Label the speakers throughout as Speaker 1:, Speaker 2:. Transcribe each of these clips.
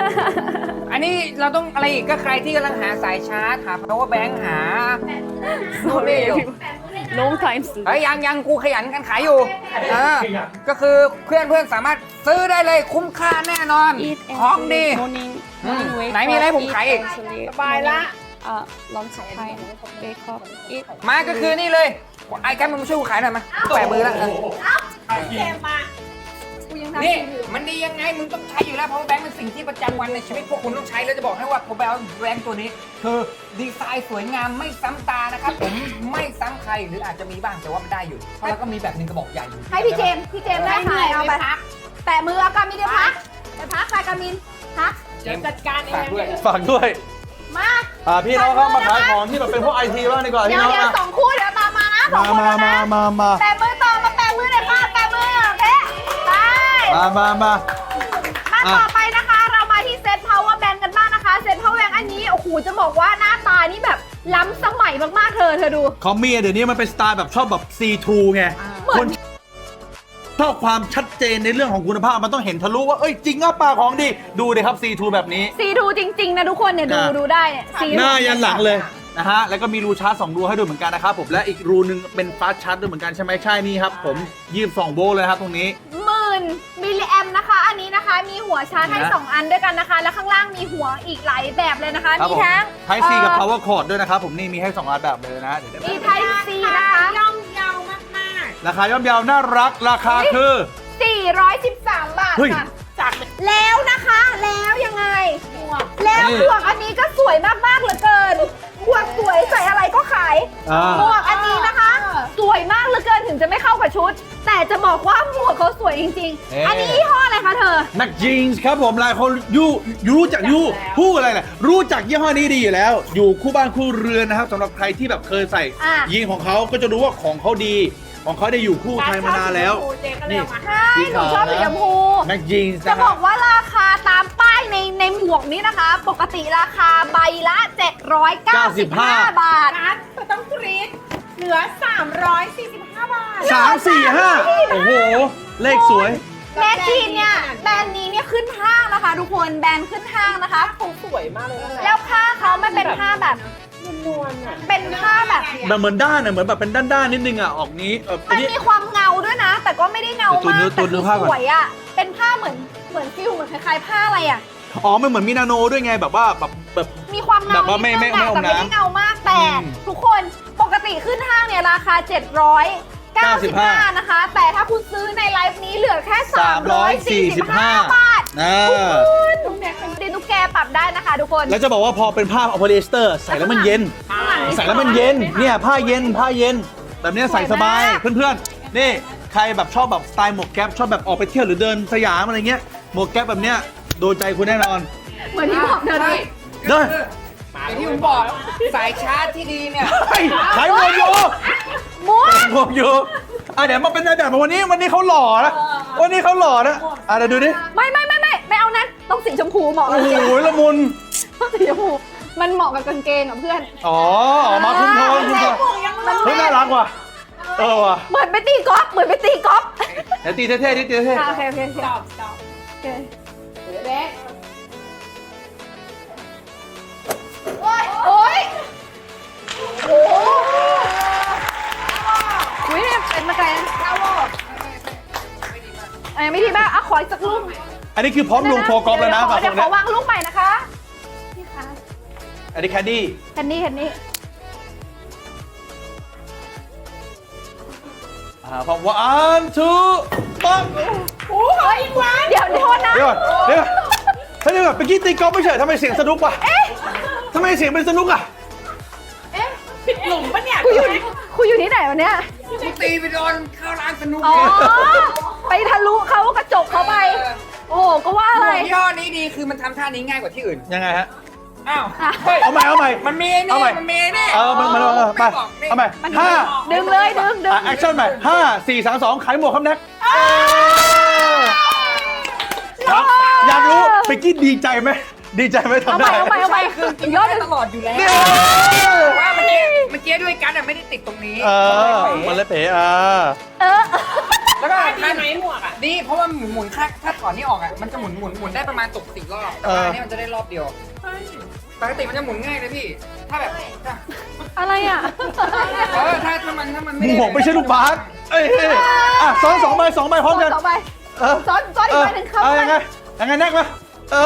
Speaker 1: อันนี้เราต้องอะไรอีกก็ใครที่กำลังหาสายชาร์จหา power bank หา
Speaker 2: sorry long time
Speaker 1: เฮ้ยยังกูขยันกันขายอยู่ก็คือเพื่อนสามารถซื้อได้เลยคุ้มค่าแน่นอน
Speaker 2: eat
Speaker 1: ของดี
Speaker 2: morning
Speaker 1: ไหนมีอะไรผมขายอีก
Speaker 2: สบายละlunch time wake up eat
Speaker 1: มาก็คือนี่เลยไอ้กันมึงมาช่วยกูขายหน่อยมาแปะมือแล้วนี่มันดียังไงมึงต้องใช้อยู่แล้ว power bank เป็นสิ่งที่ประจำวันในชีวิตพวกคุณต้องใช้แล้วจะบอกให้ว่า power bank ตัวนี้คือดีไซน์สวยงามไม่ซ้ำตานะครับผมไม่ซ้ำใครหรืออาจจะมีบ้างแต่ว่ามันได้อยู่แล้วก็มีแบบหนึ่งกระบอกใหญ่อยู่
Speaker 3: ให้พี่เจมได้ขายเอาไปแปะมือเอากามินได้พักแต่พักใครกามินพัก
Speaker 1: จัดการเองด้วย
Speaker 4: ฝากด้วย
Speaker 3: มา
Speaker 4: พี่น้องครับมาขายของที่แบบเป็นพวกไอทีบ้างดีกว่าพี่
Speaker 3: เดี๋ยว
Speaker 4: น้อง
Speaker 3: เดี๋ยว
Speaker 4: นะ
Speaker 3: สองคู่เดี๋ยวตามมานะสองคู่แล้วนะแปะมือต่อมาแปะมือหน่อยค่ะแปะมือเป๊ะไปมาต่อไปนะคะเรามาที่เซต power bank กันบ้างนะคะเซต power bank อันนี้โอ้โหจะบอกว่าหน้าตานี่แบบล้ำสมัยมากๆเธอดู
Speaker 4: คอมมี่เดี๋ยวนี้มันเป็นสไตล์แบบชอบแบบ C2 ไงคนชอบความชัดเจนในเรื่องของคุณภาพมันต้องเห็นทะลุว่าเอ้ยจริงอ่ะปลาของดีดูเลยครับ C2 แบบนี้
Speaker 3: C2 จริงๆนะทุกคนเนี่ยดูได้เนี่ย
Speaker 4: หน้ายันหลังเลยนะฮะแล้วก็มีรูชาร์จ2รูให้ดูเหมือนกันนะครับผมและอีกรูนึงเป็นฟาสต์ชาร์จด้วยเหมือนกันใช่ไหมใช่นี่ครับผม22 โวลต์เลยครับตรงนี้
Speaker 3: 10,000 มิลลิแอมนะคะอันนี้นะคะมีหัวชาร์จให้2อันด้วยกันนะคะแล้วข้างล่างมีหัวอีกหลายแบบเลยนะคะมีทั้ง
Speaker 4: Type C กับ Power Cord ด้วยนะครับผมนี่มีให้2อันแบบเลยนะ
Speaker 3: มี Type C นะคะ
Speaker 1: ย่อมเยาวมาก
Speaker 4: ราคาย่อมเยาวน่ารักราคาคือ
Speaker 3: 413 บาทค่ะจากแล้วนะคะแล้วยังไงแล้วหมวกอันนี้ก็สวยมากๆเหลือเกินหมวกสวยใส่อะไรก็ขายหมวกอันนี้นะคะสวยมากเหลือเกินถึงจะไม่เข้ากับชุดแต่จะบอกว่าหมวกเขาสวยจริงๆอันนี้ยี่ห้ออะไรคะเธอ
Speaker 4: นักจีนส์ครับผมหลายคนรู้จักพูดอะไรแหละรู้จักยี่ห้อนี้ดีอยู่แล้วอยู่คู่บ้านคู่เรือนนะครับสำหรับใครที่แบบเคยใส่ยีนของเขาก็จะรู้ว่าของเขาดีของเขาได้อยู่คู่ไทยมานานแล้วนี่
Speaker 3: ใช่หนูชอบสีชมพู
Speaker 4: แม็กจีนส์
Speaker 3: จะบอกว่าราคาตามป้ายในหมวกนี้นะคะ ปกติราคาใบละ795 บาทแต่ต้องกรี๊ดเหลือ345 บาท
Speaker 4: 345โอ้โหเลขสวย
Speaker 3: แม็กจีนเนี่ยแบรนด์นี้เนี่ยขึ้นห้างนะคะทุกคนแบรนด์ขึ้นห้างนะคะสวยมากเลยแล้วผ้าเขาไม่เป็นผ้าแบบนวลๆเป็นผ้าแบบ
Speaker 4: เหมือนด้านเหมือนแบบเป็นด้านนิดนึงอ่ะออกนี้
Speaker 3: มันมีความเงาด้วยนะ แต่ก็ไม่ได้เงามากแต่คือสวยอ่ะเป็นผ้าเหมือนฟิลเหมือนคล้ายๆผ้าอะไรอ่ะ
Speaker 4: อ๋อมันเหมือนมีนาโนด้วยไงแบบว่าแบบ
Speaker 3: มีความเงา
Speaker 4: แบบว่าไม่
Speaker 3: แต่ไม่ได้เงามากแต่ทุกคนปกติขึ้นห้างเนี่ยราคา795นะคะแต่ถ้าคุณซื้อในไลฟ์นี้เหลือแค่345 บาทคุณดินุกแกปรับได้นะคะทุกคน
Speaker 4: แล้วจะบอกว่าพอเป็นผ้าโพลีเอสเตอร์ใส่แล้วมันเย็นใส่แล้วมันเย็นเนี่ยผ้าเย็นแบบนี้ใส่สบายเพื่อนๆนี่ใครแบบชอบแบบสไตล์หมวกแก๊ปชอบแบบออกไปเที่ยวหรือเดินสยามอะไรเงี้ยหมวกแก๊ปแบบเนี้ยโดนใจคุณแน่นอน
Speaker 3: เหมือนที่บอกเธอเลย
Speaker 4: เด้อ
Speaker 1: อย่างที่ผมบอกสายชาร์จที่ดีเนี่ย
Speaker 4: ขายหมวกอยู่หมวกอยู่เดี๋ยวมาเป็นนายแบบวันนี้เขาหล่อนะวันนี้เขาหล่อนะเดี๋ยวดูดิ
Speaker 3: ไม่เอานั้นต้องสีชมพูเหมาะ
Speaker 4: โอ้โหละมุน
Speaker 3: ต้องสีชมพูมันเหมาะกับกางเกงกับเพื่อน
Speaker 4: มาคุ้มโทนเฮ้ยน่ารักว่ะว่ะ
Speaker 3: เหมือนไปตีกอล์ฟเ
Speaker 4: ดี๋ยวตีเท่ๆดิตีเท่
Speaker 3: โอเค
Speaker 1: stop
Speaker 3: เบ๊โอ้ยเนี่ยเป็นมาไกลไม่ดีมากขออีกสักลูก
Speaker 4: อันนี้คือพร้อมลงโฟกอล์ฟแล้วนะ
Speaker 3: เดี๋ยวขอวางลูกใหม่นะคะนี่ค่ะ
Speaker 4: อันนี้แคนดี้พร้อม1 2ปั๊บ
Speaker 3: โอ้ยเดี๋ยวโทษนะ
Speaker 4: เดี๋ยวเมื่อกี้ตีกอล์ฟไม่ใช่ทำไมเสียงสนุกวะทำไมเสียงเป็นสนุกอ่ะ
Speaker 3: ผิดหลุมปะเนี่ยคุยอยู่ที่ไหนวะเนี่ย
Speaker 1: กูตีไปโดนเข้าร้านสนุก
Speaker 3: ไปทะลุเขากระจกเขาไปโอ้ก็ว่าอะไร
Speaker 1: ย่อนี้ดีคือมันทำท่านี้ง่ายกว่าที่อื่น
Speaker 4: ยังไงฮะ
Speaker 1: เอาใหม่
Speaker 4: มัน
Speaker 1: มีนี่
Speaker 4: มันไปเอาใหม่5
Speaker 3: ดึงเลย
Speaker 4: แอคชั่นใหม่5 4 3 2ขายหมวกครับแน็กอยากรู้เมื่อกี้ดีใจไหมทำได้
Speaker 3: เอาไป
Speaker 1: คือกินยอดตลอดอยู่แล้วว่าเมื่อกี้ด้วยกันไม่ได้ติดตรงนี้
Speaker 4: มันเลยเป๋
Speaker 1: แล้วก็
Speaker 2: ดีไหมหมวกอ่ะ
Speaker 1: ดีเพราะว่าหมุนถ้าถอนนี่ออกอ่ะมันจะหมุนได้ประมาณตก4 รอบแต่ว่าอันนี้มันจะได้รอบเดียวปกติมันจะหมุนง่ายเลยพี่ถ้าแบบ
Speaker 3: อะไรอ่ะ
Speaker 1: ถ้ามัน
Speaker 4: ห
Speaker 1: ไม่ได้
Speaker 4: มวกไม่ใช่ลูกบาสเอ้ยซ้อน2 ใบ 2 ใบพร้อมกัน
Speaker 3: 2 ใบ
Speaker 4: เออ
Speaker 3: ซ้อนอีกใบหนึ่งเข้าไป
Speaker 4: ยังไงแนกมา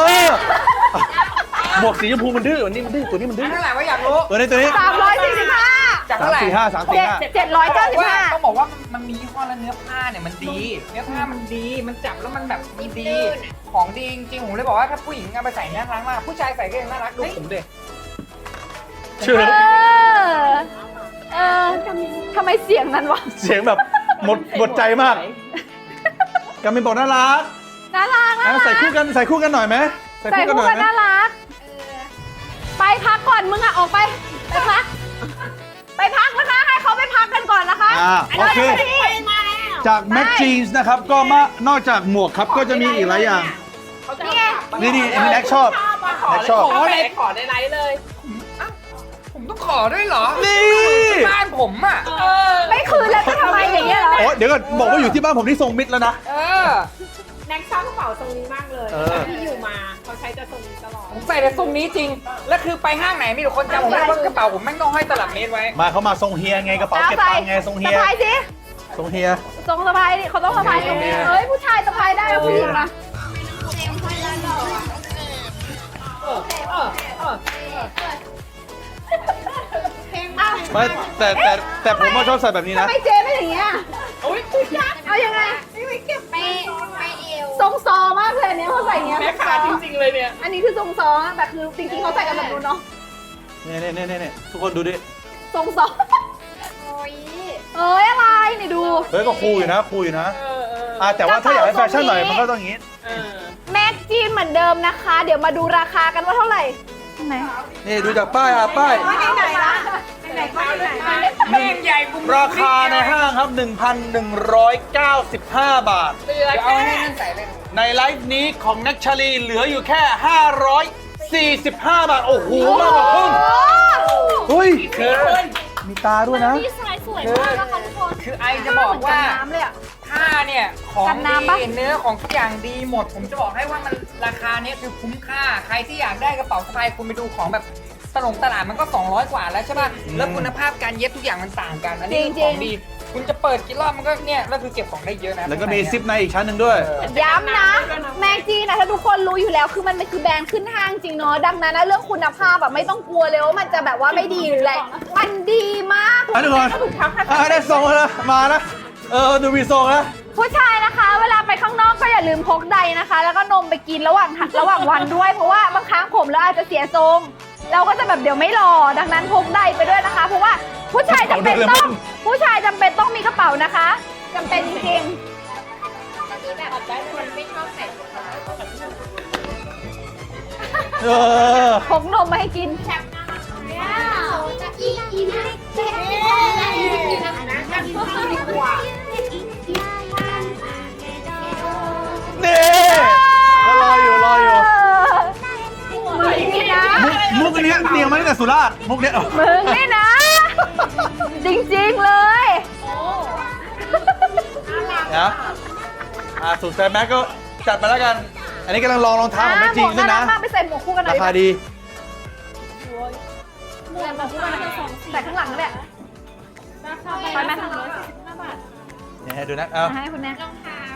Speaker 4: หมวกสีชมพูมันดื้อวันนี้มันดื้อตัวนี้มันดื้อ
Speaker 1: เท่าไหร่วะอยากรู้
Speaker 4: ตัวนี้
Speaker 3: 345
Speaker 1: จากเท่าไหร่
Speaker 3: 795
Speaker 1: ต้องบอกว่ามันมียี่ห้อและเนื้อผ้าเนี่ยมันดีเนื้อผ้ามันดีมันจับแล้วมันแบบดีของดีจริงๆผมเลยบอกว่าถ้าผู้หญิงเอาไปใส่น่ารักมากผู้ชายใส่ก็ยังน่ารักดูผมเด็ก
Speaker 4: เชื่อ
Speaker 3: ทำไมเสียงนั้นวะ
Speaker 4: เสียงแบบหมดใจมากกามินบอกน่ารัก
Speaker 3: น่ารัก
Speaker 4: ใส่คู่กันหน่อยไหม
Speaker 3: ใส่คู่กันน่ารัก ไปพักก่อนมึงอ่ะออกไปพักนะคะให้เขาไปพักกันก่อนนะคะ
Speaker 4: โอเคจากแม็กจีนส์นะครับก็นอกจากหมวกครับก็จะมีอีกหลายอย่าง
Speaker 3: นี่ไง
Speaker 4: นี่แม็กชอบ
Speaker 2: ขอ
Speaker 4: แม็กชอบ
Speaker 2: ขอในไลฟ์เลย
Speaker 1: ผมต้องขอด้วยเหรอ
Speaker 4: นี่
Speaker 1: บ้านผมอ่ะ
Speaker 3: ไม่คืนแล้วจะทำไมอย่างเงี้ยเหรอ
Speaker 4: โอ้เดี๋ยวก่อนบอกว่าอยู่ที่บ้านผมที่ทรงมิตรแล้วนะ
Speaker 2: แน็กชอบกระเป๋าทรงนี้มากเลยที่อยู่มาเขาใช้จะทรงนี้ตลอด
Speaker 1: ผมใส่แต่ทรงนี้จริง แล้วคือไปห้างไหนมีแต่คนจำผมได้ว่ากระเป๋าผมแม่งต้องห้อยตลับเมตรไว้
Speaker 4: มาเขามาทรงเฮียไงกระเป๋าเก็บตังค์ไงทรงเฮีย
Speaker 3: สะพายสิ
Speaker 4: ทรงเฮีย
Speaker 3: ทรงสะพายดิเขาต้องสะพายตรงนี้เฮ้ยผู้ชายสะพายได้แล้วผู้หญิงนะ
Speaker 4: ไม่แต่ผมก็ชอบใส่แบบนี้นะ
Speaker 3: ทำไมเจ๊ไม่อย่างเงี้ยเอายังไงทรงซอมากเลยเนี่ยเขาใส่เงี้ย
Speaker 2: แม่ขาจริงๆเลยเนี่ย
Speaker 3: อันนี้คือทรงซอแต่คือจริงๆเขาใส่กันแบบนู้นเนาะ
Speaker 4: เนี่ยทุกคนดูดิ
Speaker 3: ทรงซอเอ้ยอะไรนี่ดู
Speaker 4: เฮ้ยก็คูลอยู่นะแต่ว่าถ้าอยากให้แฟชั่นหน่อยมันก็ต้องอย่างนี้
Speaker 3: แม็กจีนเหมือนเดิมนะคะ เดี๋ยวมาดูราคากันว่าเท่าไหร่ไหน
Speaker 4: นี่ดูจากป้ายป้าย
Speaker 3: ไหนละไหนก็ไหน
Speaker 1: แม่งใหญ่บุ้ม
Speaker 4: ราคาในห้างครับ 1,195 บาท
Speaker 1: เดี๋ยวเอาให้นั่นใส่เลย
Speaker 4: ในไลฟ์นี้ของนักชาลีเหลืออยู่แค่ 545 บาท โอ้โหมากกว่าครึ่งเฮ้ยมีตาด้วยนะ
Speaker 3: ดีไซน์สวยมากนะคะทุกคน
Speaker 1: คือไอจะบอกว่า
Speaker 3: น้ำเลยอ่ะ
Speaker 1: ผ้าเนี่ยของ
Speaker 3: กันน้ำปะ
Speaker 1: ดีเนื้อของทุกอย่างดีหมด ผมจะบอกให้ว่ามันราคาเนี้ยคือคุ้มค่าใครที่อยากได้กระเป๋าสะพายคุณไปดูของแบบตลาดมันก็200 กว่าแล้วใช่ป่ะแล้วคุณภาพการเย็บทุกอย่างมันต่างกันอันนี้คือของดี คุณจะเปิดกี่รอบมันก็เนี่ยแล้วคือเก็บของได้เยอะนะ
Speaker 4: แล้วก็มีซิปในอีกชั้นหนึ่งด้วย
Speaker 3: ย้ำนะ แม็กจีนะถ้าทุกคนรู้อยู่แล้วคือมันคือแบรนด์ขึ้นห้างจริงเนาะดังนั้นนะเรื่องคุณภาพแบบไม่ต้องกลัวเลยว่ามันจะแบบว่าไม่ดีหรืออะไรมันดีมาก
Speaker 4: ทุกคนได้ทรงแล้วมานะดูมีทรงนะ
Speaker 3: ผู้ชายนะคะ เวลาไปข้างนอกก็อย่าลืมพกใดนะคะ แล้วก็นมไปกินระหว่างวันด้วยเพราะว่าบางครั้งผมแล้วอาจจะเสียทรงเราก็จะแบบเดี๋ยวไม่รอดังนั้นพกใดไปด้วยนะคะ เพราะว่าผู้ชายจำเป็นต้องมีกระเป๋านะคะจำเป็นจริงๆพกนมมาให้กิน
Speaker 4: นี่ก็รออยู่
Speaker 3: มึงนี่นะ
Speaker 4: มุกอันนี้เตรียมมาตั้งแต่สุราษฎร์มุกเนี้ย
Speaker 3: มึงนี่นะ จริงๆเลย
Speaker 4: นะสุดแฟนแม็กก็จัดมาแล้วกัน อันนี้กำลังลองรองเท้าของแม็กจริงด้วยนะ
Speaker 3: มากไปใส่หมวกคู่กันหน่อ
Speaker 4: ราย คาดี
Speaker 3: ใส่ข้างหลังนั่นแหละไปไหม
Speaker 4: เนี่ยให้ดูนะเอา
Speaker 3: ให้คุณแม่รองเท้า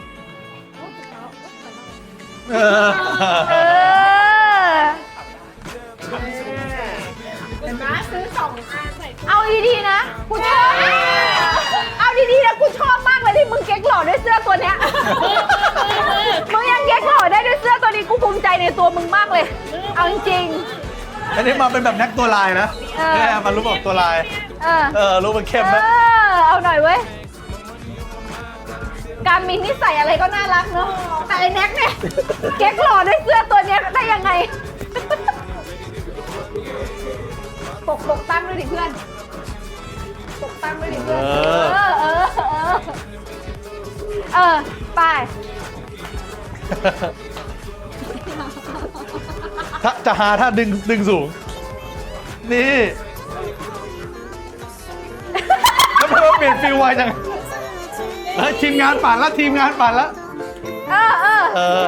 Speaker 3: เอาดีๆนะกูชอบเอาดีๆนะกูชอบมากเลยที่มึงเก๊กหล่อด้วยเสื้อตัวเนี้ยมึงยังเก๊กหล่อได้ด้วยเสื้อตัวนี้กูภูมิใจในตัวมึงมากเลย เอาจริง
Speaker 4: อันนี้มาเป็นแบบแน็กตัวลายนะเนี่ยมันรู้บอกตัวลาย
Speaker 3: ๆ
Speaker 4: รู้มันเข้มนะ
Speaker 3: เอาหน่อยเว้ยการมินนี่ใส่อะไรก็น่ารักเนาะแต่ไอ้แน็กเนี่ยเก๊กหล่อด้วยเสื้อตัวเนี้ยได้ยังไงปกตั้งด้วยดิเพื่อนปกตั้งด้วยดิเพื่อนไป
Speaker 4: จะหาถ้าดึงสูง นี่แล้วมันเปลี่ยนฟิลไวจังทีมงานปั่นแล้วทีมงานปั่นแล้ว
Speaker 3: เออ
Speaker 4: เออ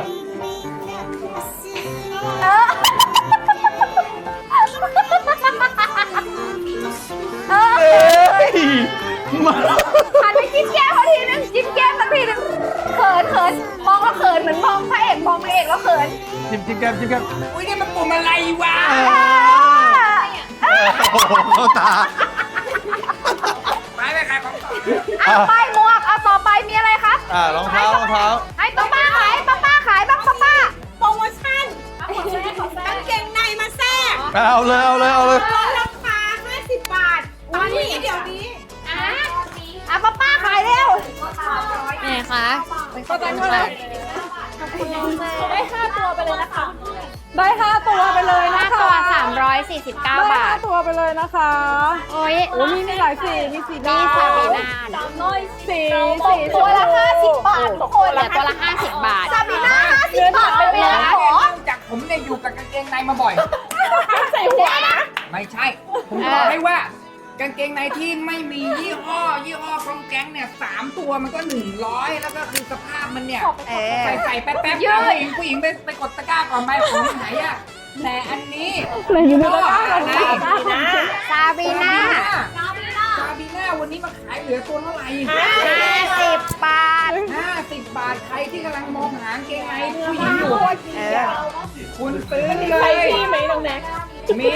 Speaker 3: เออ
Speaker 4: เอ้ยมา
Speaker 3: หันไปจิ้มแก้มเขาทีนึงจิ้มแก้มสักทีนึงเขินมองแล้วเขินเหมือนมองพระเอกมองนางเอกแล้วเขิน
Speaker 4: จิ้มแก้มจิ้มแก้ม
Speaker 1: อุ้ยนี่มันปุ่มอะไรวะ
Speaker 4: โอ้โหเข้าตา
Speaker 1: ไปขายของต่อ
Speaker 3: เอาไปหมวกเอาต่อไปมีอะไรครับ
Speaker 4: รองเท้ารองเท้า
Speaker 3: ให้ป้าขายป้าขายบ้างป้า
Speaker 2: โปรโมชั่นกางเกงในมาแทรก
Speaker 4: เอาเลยเอาเลยเอาเลย
Speaker 2: ลดราคา 50 บาท ตอนนี้เดี๋ยวนี้
Speaker 3: อ่ะป้าขายเร็ว
Speaker 5: ไหนคะ
Speaker 3: ก็ได้เท่าไหร่ได้5ตัวไปเลยนะคะได้5ตัวไปเลยนะ
Speaker 5: 5
Speaker 3: คะ
Speaker 5: ตัว 349 บาท
Speaker 3: 5ตัวไปเลยนะคะ
Speaker 5: โอ้ย
Speaker 3: โอ้มีหลายสีมีสี
Speaker 5: นี่
Speaker 3: ดำ
Speaker 5: ซาบีนา
Speaker 3: สีตัวละ50 บาททุกคน
Speaker 5: เหลือตัวละ 50 บาท
Speaker 3: ซาบีน่า50 บาทเป็นเวลาขอ
Speaker 1: จากผมเนี่ยอยู่กับกางเกงในมาบ่อย
Speaker 3: ใส่หัวนะ
Speaker 1: ไม่ใช่ ผมบอกให้ว่ากางเกงในที่ไม่มียี่ห้อของแก๊งเนี่ย3ตัวมันก็100แล้วก็คือสภาพมันเนี่ยใส่แป๊บๆผู้หญิงไปกดตะกร้าก่อนไหมผมไหนอะแต่อันนี้อยู่ในตะกร้าก่อนนะ
Speaker 5: ซาบีนา
Speaker 1: ซาบีน่าวันนี้มาขายเหลือตัวเท่าไหร่
Speaker 5: 50 บาท
Speaker 1: 50 บาทใครที่กำลังมองหากางเกงในผู้หญิงอยู่คุณซื้อเลย
Speaker 2: มีไหมน้องแน็ก
Speaker 1: มี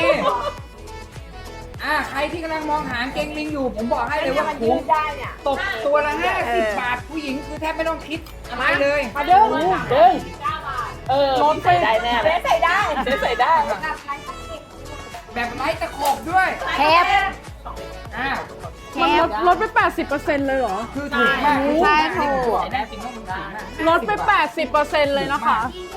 Speaker 1: ใครที่กำลังมองหากางเกงลิงอยู่ ผมบอกให้เลยว่าคุ้มตกตัวละ50 บาทผู้หญิงคือแทบไม่ต้องคิดอะไรเลย
Speaker 3: เด้งลดไปได้แน่เลยใส่ได้ใส่ได้
Speaker 1: แบบไร้ตะขบด้วย
Speaker 5: เทป
Speaker 3: มันลดไป 80%เลยเหรอ
Speaker 1: คือถูกมาก
Speaker 5: ใช่ถูก
Speaker 1: แน่จริงต้องมันถูกมาก
Speaker 3: ลดไป 80%เลยนะคะ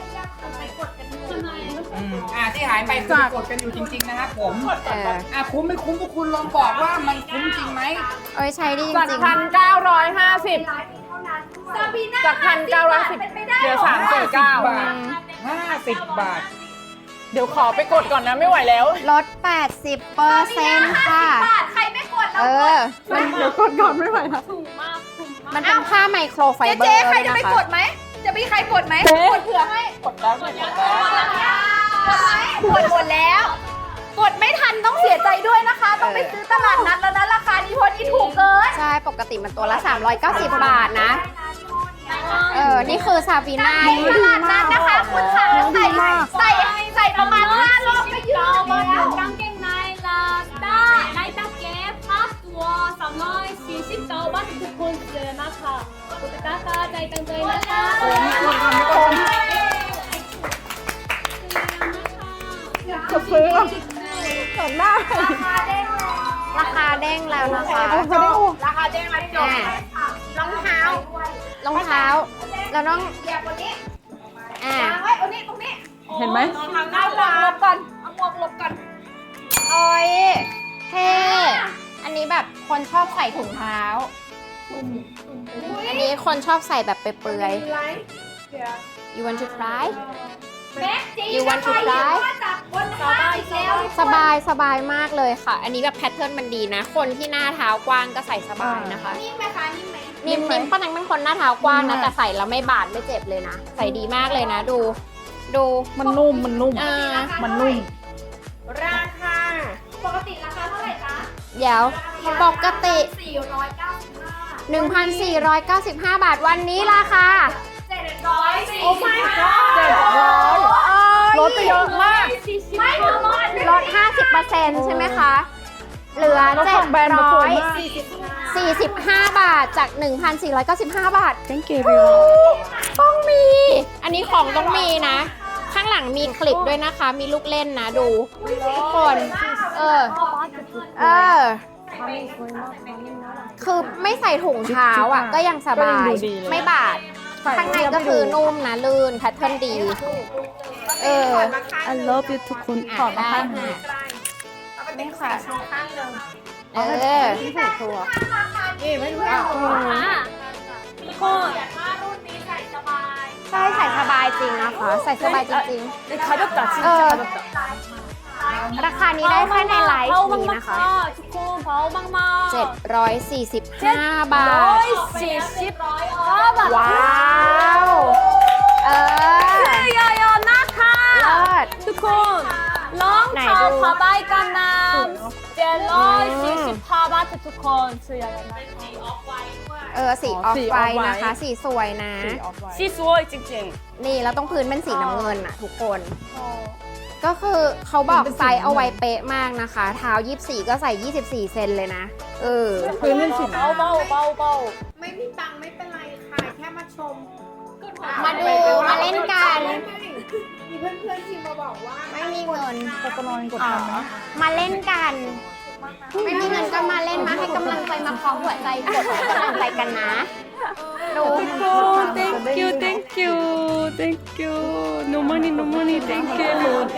Speaker 1: ที่หายไปคือกดกันอยู่จริงๆนะครับผม คุ้มไม่คุ้มพวกคุณลองบอกว่ามันคุ้มจริงไหม
Speaker 5: โอ้ยใช้ดีจ
Speaker 3: จาก
Speaker 5: ริง
Speaker 3: 1,950จาก1,910เหลือ349
Speaker 1: 50 บาท
Speaker 3: เดี๋ยวขอไปกดก่อนนะไม่ไหวแล้ว
Speaker 5: ๆลด 80%ค่ะ
Speaker 3: ใครไม่กด
Speaker 5: เออ
Speaker 3: เดี๋ยวกดก่อนไม่ไหวแล้ว
Speaker 5: มันเป็นผ้าไมโครไฟเบอร์
Speaker 3: เจ๊ใคร
Speaker 5: ด้วย
Speaker 3: จะ
Speaker 5: นะ
Speaker 3: ไป
Speaker 5: คะ
Speaker 3: กดไหม จะมีใครกดไหมกดเผื่อให้ กดแล้วกดหมดแล้ว กดไม่ทันต้องเสียใจด้วยนะคะ ต้องไปซื้อตลาดนัดแล้วนะราคานี้เพราะนี่ถูกเกิน
Speaker 5: ใช่ ปกติมันตัวละ 390 บาทนะ นี่คือซาบีนา
Speaker 3: ตลาดนัดนะคะคุณขาใส่ประมาณ5รอบก็ยืดแล้ว
Speaker 6: กางเกงในลาด้าไนตาเก็บ5ตัว349 บาททุกคนเลยนะคะกดตะกร้าใจตั้งใจนะคะ
Speaker 3: กดซื้อก่อนหน้า
Speaker 5: ราคาเด้งแล้วนะคะ
Speaker 3: ราคาเด้งมาจบรองเท้าร
Speaker 5: องเท้า แล้วน้อง
Speaker 3: เหยียบบนนี้
Speaker 5: อ่า
Speaker 3: วางไว้ตรงนี้ตรงนี้
Speaker 2: เห็นไหม
Speaker 3: เอาหมวกหลบก่อนเอาหมวกหลบก่อน
Speaker 5: โอ้ยเท่อันนี้แบบคนชอบใส่ถุงเท้า อันนี้คนชอบใส่แบบเปลือยๆ You want to try
Speaker 3: แม็กจี
Speaker 5: You want to try
Speaker 3: จากบนห้างอีกแล้ว
Speaker 5: สบายมากเลยค่ะ อันนี้แบบแพทเทิร์นมันดีนะ คนที่หน้าเท้ากว้างก็ใส่สบายนะคะ
Speaker 3: นิ่มไหมคะนิ่มไหม
Speaker 5: นิ่มๆป้านังเป็นคนหน้าเท้ากว้างนะ แต่ใส่แล้วไม่บาดไม่เจ็บเลยนะ ใส่ดีมากเลยนะ ดู
Speaker 3: มันนุ่ม มันนุ่ม
Speaker 5: มันนุ่ม
Speaker 2: ราคา
Speaker 3: ปกติราคาเท่าไหร่จ๊ะ
Speaker 5: เดี๋ยวปกติ
Speaker 3: 495
Speaker 5: 1,495 บาทวันนี้ราคา
Speaker 3: 700
Speaker 2: โอ้ my god
Speaker 3: ลดไปเยอะมาก ไม่ถึงลด
Speaker 5: ลด 50%ใช่ไหมคะ เหลือ
Speaker 3: แล้วของแบรนด์มันสวยมาก
Speaker 5: 745 บาทจาก 1,495 บาท
Speaker 3: Thank you
Speaker 5: ต้องมี อันนี้ของต้องมีนะ ข้างหลังมีคลิปด้วยนะคะ มีลูกเล่นนะดูทุกคน คือไม่ใส่ถุงเท้าอ่ะ ก็ยังสบาย ไม่บาด ข้างในก็คือนุ่มนะลื่นแพทเทิร์นดี
Speaker 3: I love you ทุกคนขอมา
Speaker 5: ได้
Speaker 3: ให้
Speaker 5: ค่ะ
Speaker 2: นี่ค่ะโชว์ข้างหนึ่ง
Speaker 5: ที่ใส่ตัว
Speaker 2: นี่ไม่รู้
Speaker 6: ทุกคน
Speaker 5: ใช่ใส่สบายจริงนะคะ ใส่สบายจริง
Speaker 2: 가볍다
Speaker 5: ๆ
Speaker 2: 진짜 가볍다
Speaker 3: ราคานี้ได้แค่ในไลฟ์นี้นะคะ
Speaker 6: ทุกคนเบามากๆ
Speaker 5: 745 บาท
Speaker 6: 145 บาท
Speaker 3: ว้าวเออ
Speaker 6: เยอะๆนะคะ
Speaker 3: เลิศ
Speaker 6: ทุกคนรอง
Speaker 3: ไหน
Speaker 6: เท้า
Speaker 3: ดู
Speaker 6: ผ้าใบกันน้ำ745 บาททุกคนซื้อเยอะๆนะคะ
Speaker 5: สีออฟไวท์นะคะ สีสวยนะ
Speaker 6: สีสวยจริง
Speaker 5: นี่แล้วต้องพื้นเป็นสีน้ำเงินอะทุกคน ก็คือเขาบอกไซส์เอาไว้เป๊ะมากนะคะ เท้า 24 ก็ใส่ 24 เซนเลยนะ
Speaker 6: พื้นเป็นสีเบา
Speaker 2: ไม่มีตังค์ไม่เป็นไรค่ะ แค่มาชม
Speaker 5: มาดูมาเล่นกัน
Speaker 2: มีเพื่อนๆทีมมาบอกว่า
Speaker 5: ไม่มีเงินมาเล่นกัน ไม่มีเงินก็มาเล่นมาให้กำลังใจมาเคาะหัวใจกดให้กำลังใจกันนะดู
Speaker 6: thank you no money thank you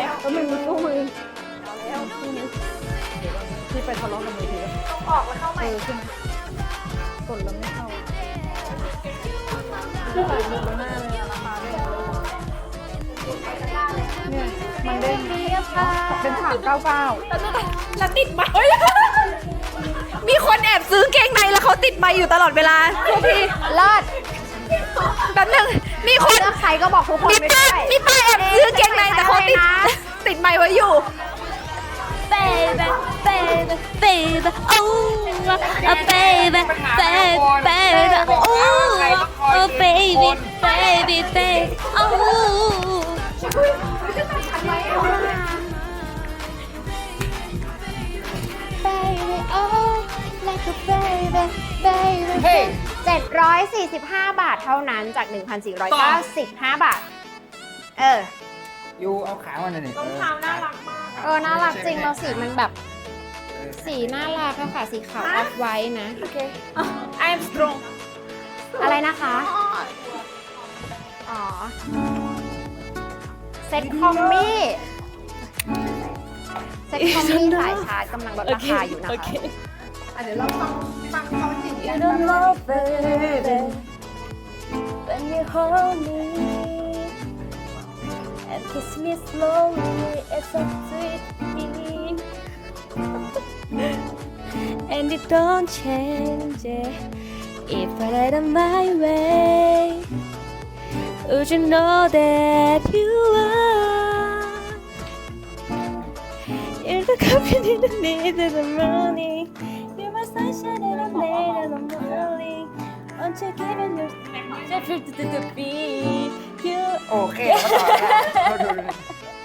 Speaker 3: เป็น399แล้วติดไมมีคนแอบซื้อเกงในแล้วเขาติดไมอยู่ตลอดเวลาทุกที
Speaker 5: เลิศ
Speaker 3: แป๊บนึงมีคน
Speaker 5: เลือกใครก็บอกทุกคนไม่ได้
Speaker 3: มีป้าแอบซื้อเกงในแต่เขาติดไมไว้อยู่
Speaker 6: baby oh baby oh baby oh
Speaker 5: baby oh like a baby baby
Speaker 1: เฮ้ย
Speaker 5: 745 บาทเท่านั้นจาก 1,495 บาท
Speaker 1: ยูเอาขามาหน่อย
Speaker 2: รองเท้าน่ารักมาก
Speaker 5: น่ารักจริงเราสีมันแบบ สีน่ารักอะค่ะ สีขาวออฟไว้นะ
Speaker 6: I'm strong
Speaker 5: อะไรนะคะ อ๋อ เซ็ตคอมมี่เซ็ตคอมมี่สายชาร์จกำลังลดราคาอยู่นะคะ
Speaker 2: เดี๋ยวเราฟังเขาจริง
Speaker 6: You don't know baby when you hold me and kiss me slowly it's so sweet and it don't change it if I let it my way would you know that you are you're the company that needed the morning you're my sunshine and I'm late in the morning won't you give me your to be you
Speaker 1: โอเคแล้วต่อแล้ว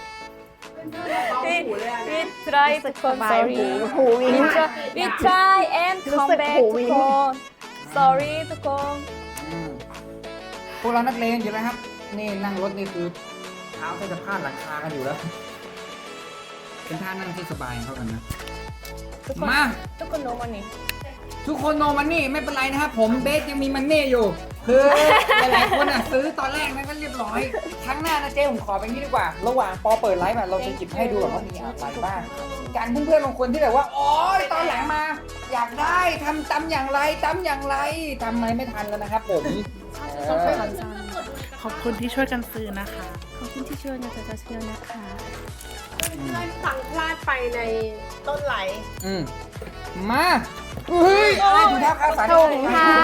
Speaker 6: we try to come sorry
Speaker 5: หูวิ่ง
Speaker 6: we try and
Speaker 5: รู้
Speaker 6: come
Speaker 5: สึก
Speaker 6: back
Speaker 5: หู
Speaker 6: ทุ
Speaker 5: วิ่
Speaker 6: ก
Speaker 5: ง
Speaker 6: คน sorry ทุกคน
Speaker 1: พวกเรานักเลงอยู่แล้วครับ นี่นั่งรถนี่คือเท้าแทบจะพาดหลังคากันอยู่แล้ว เป็นท่านั่งที่สบายเข้ากันนะ มา
Speaker 6: ทุกคน no money
Speaker 1: ทุกคนโนมันนี่ไม่เป็นไรนะครับผมเบสยังมีมันนี่อยู่ คือหลายๆคนอ่ะซื้อตอนแรกนั้นก็เรียบร้อย ครั้งหน้านะเจ๊ผมขอเป็นที่ดีกว่า ระหว่างปอเปิดไลฟ์แบบเราจะหยิบให้ดูแบบว่ามีอะไรบ้างการเพื่อนๆบางคนที่แบบว่าโอ๊ยตอนหลังมา อยากได้ทำตำอย่างไรทำอะไรไม่ทันแล้วนะครับผมเออ
Speaker 7: ขอบคุณที่ช่วยกันซื้อนะคะ
Speaker 6: ขอบคุณที่ช่วยนะคะจะเชื่อนะคะ
Speaker 2: สั่งพลาดไปในต้นไหล
Speaker 1: มาเฮ้ยอะไรถุงเท้าขาสั้น
Speaker 5: ถุงเท้า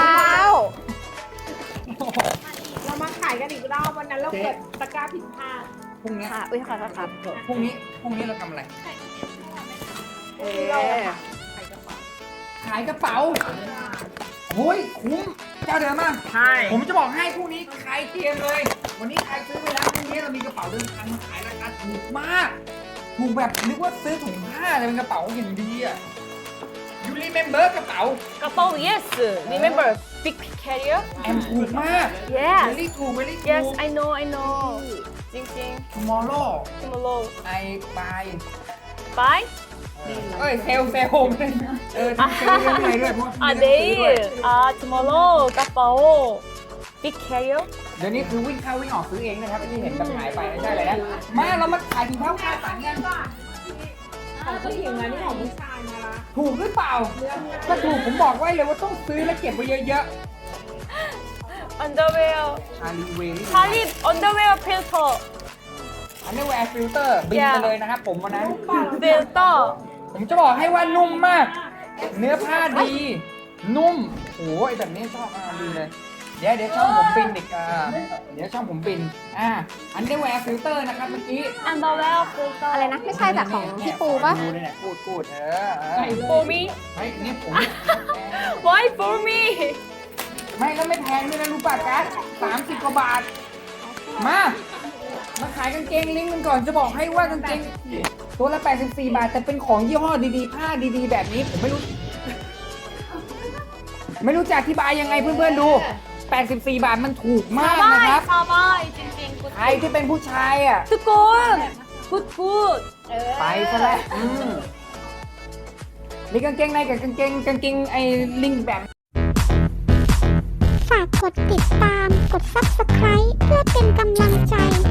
Speaker 2: เรามาขายกันอีกรอบวันนั้นเราเกิดตะกร้าผิดพลาด
Speaker 1: พรุ่งนี้
Speaker 5: ค่ะ อุ้ยขอโทษครับ
Speaker 1: พรุ่งนี้เราทำอะไร ขายกระเป๋าโอ้ยคุ้มเจ้าเดิมมาก
Speaker 2: ใช่
Speaker 1: ผมจะบอกให้พรุ่งนี้ขายเตรียมเลย วันนี้ใครซื้อไปแล้วพรุ่งนี้เรามีกระเป๋าเดินทางมาขายราคาถูกมาก ถูกแบบนึกว่าซื้อถุงผ้าเลยเป็นกระเป๋าอย่างดีอ่ะ You remember กระเป๋าก
Speaker 6: ระเป๋า yes remember big carrier
Speaker 1: แอมถูกมาก
Speaker 6: yes
Speaker 1: very ถูก very ถูก
Speaker 6: yes I know จริง
Speaker 1: tomorrow
Speaker 6: ๆ tomorrow
Speaker 1: I buy
Speaker 6: bye
Speaker 1: เอ้ยเซลทำเซลเรื่องอะไรด้วยเพราะว่า
Speaker 6: day tomorrow กระเป๋า big carrier
Speaker 1: เดี๋ยวนี้คือวิ่งเข้าวิ่งออกซื้อเองนะครับที่เห็นแบบหายไปไม่ใช่เลยนะมาเรามาขายถุงเท้าผ้าสันกัน
Speaker 2: ของผู้หญิงนะนี่ของผู้ชายมาละ
Speaker 1: ถูกหรือเปล่าถ้าถูกผมบอกไว้เลยว่าต้องซื้อและเก็บไว้เยอะ
Speaker 6: underwear
Speaker 1: ๆชาลีเวลี่
Speaker 6: Charlie underwear filter
Speaker 1: อันนี้แวร์ฟิลเตอร์บินไปเลยนะครับผมวันนั้น
Speaker 6: filter
Speaker 1: ผมจะบอกให้ว่านุ่มมาก เนื้อผ้าดี นุ่มโอ้ยแบบนี้ชอบดีเลย เดี๋ยวช่องผมบินอีกเดี๋ยวช่องผมบินอันนี้แวร์ฟิลเตอร์นะครับเมื่อกี้
Speaker 6: underwear filter
Speaker 5: อะไรนะ ไม่ใช่แบบของพี่ปูปะ
Speaker 1: ดูเนี่ยพูด
Speaker 6: for me
Speaker 1: ไม่เนี่ยผม
Speaker 6: why for me
Speaker 1: ไม่แล้วไม่แพงด้วยนะรู้ป่ะกัส30 กว่าบาท มาขายกางเกงลิงก์กันก่อนจะบอกให้ว่ากางเกงตัวละ84 บาท แต่เป็นของยี่ห้อดีๆ ผ้าดีๆ แบบนี้ผมไม่รู้จะอธิบายยังไงเพื่อนๆดู 84 บาทมันถูกมากนะครับ
Speaker 6: สบายจริงๆ
Speaker 1: ใครที่เป็นผู้ชายอ่ะ
Speaker 6: ทุกคนgood
Speaker 1: ไปซะแล้วมีกางเกงในกับกางเกงไอ้ลิงก์แบบ
Speaker 8: ฝากกดติดตาม กด Subscribe เพื่อเป็นกำลังใจ